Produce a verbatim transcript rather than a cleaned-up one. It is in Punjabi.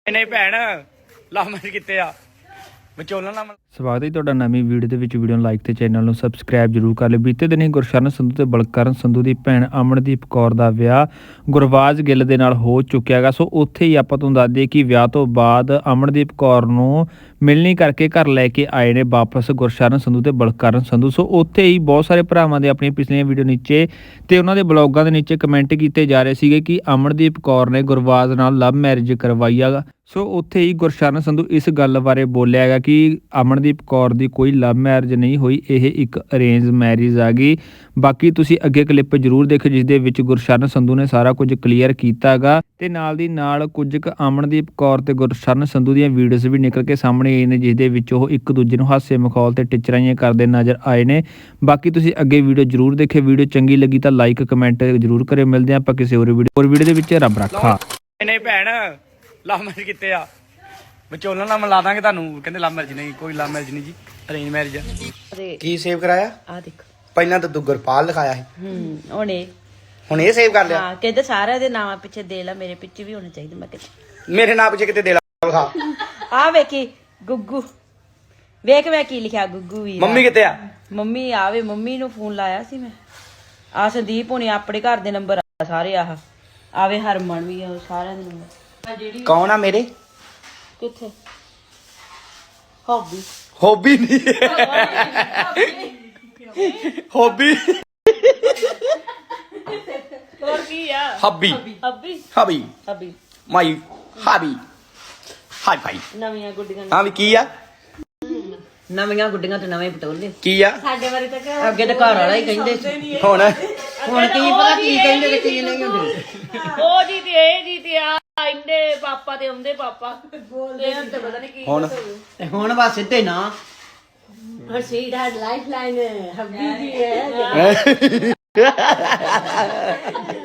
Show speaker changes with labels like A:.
A: नहीं भैन लव मैरिज किते आ विचोलन नाल
B: ਸਵਾਗਤ ਹੈ ਤੁਹਾਡਾ ਨਵੀਂ ਵੀਡੀਓ ਦੇ ਵਿੱਚ। ਵੀਡੀਓ ਨੂੰ ਲਾਈਕ ਤੇ ਚੈਨਲ ਨੂੰ ਸਬਸਕ੍ਰਾਈਬ ਜਰੂਰ ਕਰ ਲਿਓ। ਬੀਤੇ ਦਿਨੀ ਗੁਰਸ਼ਰਨ ਸੰਧੂ ਤੇ ਬਲਕਰਨ ਸੰਧੂ ਦੀ ਭੈਣ ਅਮਨਦੀਪ ਕੌਰ ਦਾ ਵਿਆਹ ਗੁਰਬਾਜ ਗਿੱਲ ਦੇ ਨਾਲ ਹੋ ਚੁੱਕਿਆ ਹੈਗਾ। ਸੋ ਉੱਥੇ ਹੀ ਆਪਾਂ ਤੁਹਾਨੂੰ ਦੱਸ ਦਈਏ ਕਿ ਵਿਆਹ ਤੋਂ ਬਾਅਦ ਅਮਨਦੀਪ ਕੌਰ ਨੂੰ ਮਿਲਣੀ ਕਰਕੇ ਘਰ ਲੈ ਕੇ ਆਏ ਨੇ ਵਾਪਸ ਗੁਰਸ਼ਰਨ ਸੰਧੂ ਤੇ ਬਲਕਰਨ ਸੰਧੂ। ਸੋ ਉੱਥੇ ਹੀ ਬਹੁਤ ਸਾਰੇ ਭਰਾਵਾਂ ਦੇ ਆਪਣੀਆਂ ਪਿਛਲੀਆਂ ਵੀਡੀਓ ਨੀਚੇ ਤੇ ਉਹਨਾਂ ਦੇ ਬਲੌਗਾਂ ਦੇ ਨੀਚੇ ਕਮੈਂਟ ਕੀਤੇ ਜਾ ਰਹੇ ਸੀਗੇ ਕਿ ਅਮਨਦੀਪ ਕੌਰ ਨੇ ਗੁਰਬਾਜ ਨਾਲ ਲਵ ਮੈਰਿਜ ਕਰਵਾਈ ਹੈਗਾ। ਸੋ ਉੱਥੇ ਹੀ ਗੁਰਸ਼ਰਨ ਸੰਧੂ ਇਸ ਗੱਲ ਬਾਰੇ ਬੋਲਿਆ ਹੈਗਾ ਕਿ ਅਮਨਦੀਪ ਕੌਰ ਦੀ ਕੋਈ ਲਵ ਮੈਰਿਜ ਨਹੀਂ ਹੋਈ, ਇਹ ਇੱਕ ਅਰੇਂਜ ਮੈਰਿਜ ਆ ਗਈ। ਬਾਕੀ ਤੁਸੀਂ ਅੱਗੇ ਕਲਿੱਪ ਜ਼ਰੂਰ ਦੇਖੋ ਜਿਸ ਦੇ ਵਿੱਚ ਗੁਰਸ਼ਰਨ ਸੰਧੂ ਨੇ ਸਾਰਾ ਕੁਝ ਕਲੀਅਰ ਕੀਤਾ ਹੈਗਾ ਤੇ ਨਾਲ ਦੀ ਨਾਲ ਕੁਝ ਕੁ ਅਮਨਦੀਪ ਕੌਰ ਤੇ ਗੁਰਸ਼ਰਨ ਸੰਧੂ ਦੀਆਂ ਵੀਡੀਓਜ਼ ਵੀ ਨਿਕਲ ਕੇ ਸਾਹਮਣੇ ਆਈ ਨੇ ਜਿਸ ਦੇ ਵਿੱਚ ਉਹ ਇੱਕ ਦੂਜੇ ਨੂੰ ਹਾਸੇ ਮਖੌਲ ਤੇ ਟਿਚਰਾਈਆਂ ਕਰਦੇ ਨਜ਼ਰ ਆਏ ਨੇ। ਬਾਕੀ ਤੁਸੀਂ ਅੱਗੇ ਵੀਡੀਓ ਜ਼ਰੂਰ ਦੇਖੇ। ਵੀਡੀਓ ਚੰਗੀ ਲੱਗੀ ਤਾਂ ਲਾਈਕ ਕਮੈਂਟ ਜ਼ਰੂਰ ਕਰਿਓ। ਮਿਲਦੇ ਆਪਾਂ ਕਿਸੇ ਹੋਰ ਵੀਡੀਓ ਹੋਰ ਵੀਡੀਓ ਦੇ ਵਿੱਚ। ਰੱਬ ਰੱਖਾ।
A: नहीं भैन लव मैरिज किते आ विचोलन नाल मिला दांगे तुहानू। कहंदे लव मैरिज नहीं, कोई लव मैरिज नहीं जी, अरेंज मैरिज है।
C: ਕੀ ਸੇਵ ਕਰਾਇਆ?
D: ਆ ਦੇਖ
C: ਪਹਿਲਾਂ ਤਾਂ ਤੂੰ ਗੁਰਪਾਲ ਲਿਖਾਇਆ ਸੀ,
D: ਹੂੰ ਉਹਨੇ
C: ਹੁਣ ਇਹ ਸੇਵ ਕਰ ਲਿਆ।
D: ਹਾਂ ਕਹਿੰਦੇ ਸਾਰਿਆਂ ਦੇ ਨਾਮਾਂ ਪਿੱਛੇ ਦੇ ਲਾ, ਮੇਰੇ ਪਿੱਛੇ ਵੀ ਹੋਣੇ ਚਾਹੀਦੇ। ਮੈਂ ਕਿਹਾ
C: ਮੇਰੇ ਨਾਂ ਪਿੱਛੇ ਕਿਤੇ ਦੇ ਲਾ ਲਿਖਾ।
D: ਆ ਵੇਖੀ ਗੁੱਗੂ, ਵੇਖ ਮੈਂ ਕੀ ਲਿਖਿਆ ਗੁੱਗੂ ਵੀ।
C: ਮੰਮੀ ਕਿੱਥੇ ਆ?
D: ਮੰਮੀ ਆਵੇ, ਮੰਮੀ ਨੂੰ ਫੋਨ ਲਾਇਆ ਸੀ ਮੈਂ। ਆ ਸੰਦੀਪ ਹੋਣੀ ਆਪਣੇ ਘਰ ਦੇ ਨੰਬਰ ਆ ਸਾਰੇ। ਆਹ ਆਵੇ ਹਰਮਨ ਵੀ ਆ, ਸਾਰਿਆਂ ਦੇ ਨੰਬਰ। ਜਿਹੜੀ
C: ਕੌਣ ਆ ਮੇਰੇ?
D: ਕਿੱਥੇ ਹੌਬੀ
C: ਹੌਬੀ ਨਹੀਂ, ਹੌਬੀ
D: ਹੋਰ ਕੀ ਆ?
C: ਹੱਬੀ
D: ਹੱਬੀ
C: ਹੱਬੀ
D: ਹੱਬੀ
C: ਮਾਈ ਹਾਬੀ ਹਾਈ ਭਾਈ।
D: ਨਵੀਆਂ ਗੁੱਡੀਆਂ
C: ਹਾਂ ਵੀ ਕੀ ਆ?
D: ਨਵੀਆਂ ਗੁੱਡੀਆਂ ਤੇ ਨਵੇਂ ਪਟੋਲੇ।
C: ਕੀ ਆ?
D: ਸਾਡੇ ਬਾਰੇ ਤਾਂ ਅੱਗੇ ਤਾਂ ਘਰ ਵਾਲਾ ਹੀ ਕਹਿੰਦੇ ਸੀ,
C: ਹੁਣ
D: ਹੁਣ ਕੀ ਪਤਾ ਕੀ ਕਹਿੰਦੇ ਤੇ ਕੀ ਨਹੀਂ ਹੁੰਦੇ। ਉਹ ਜੀ ਤੇ ਇਹ ਜੀ ਤੇ ਆ ਇੰਨੇ ਪਾਪਾ ਤੇ ਆਉਂਦੇ ਪਾਪਾ ਬੋਲਦੇ ਹਨ ਤੇ ਪਤਾ ਨਹੀਂ ਕੀ
C: ਹੁਣ
D: ਤੇ ਹੁਣ ਬਸ ਸਿੱਧੇ ਨਾ ਹਰ ਸੀਟ ਹੈ ਲਾਈਫ ਲਾਈਨ ਹੱਬੀ ਜੀ ਹੈ।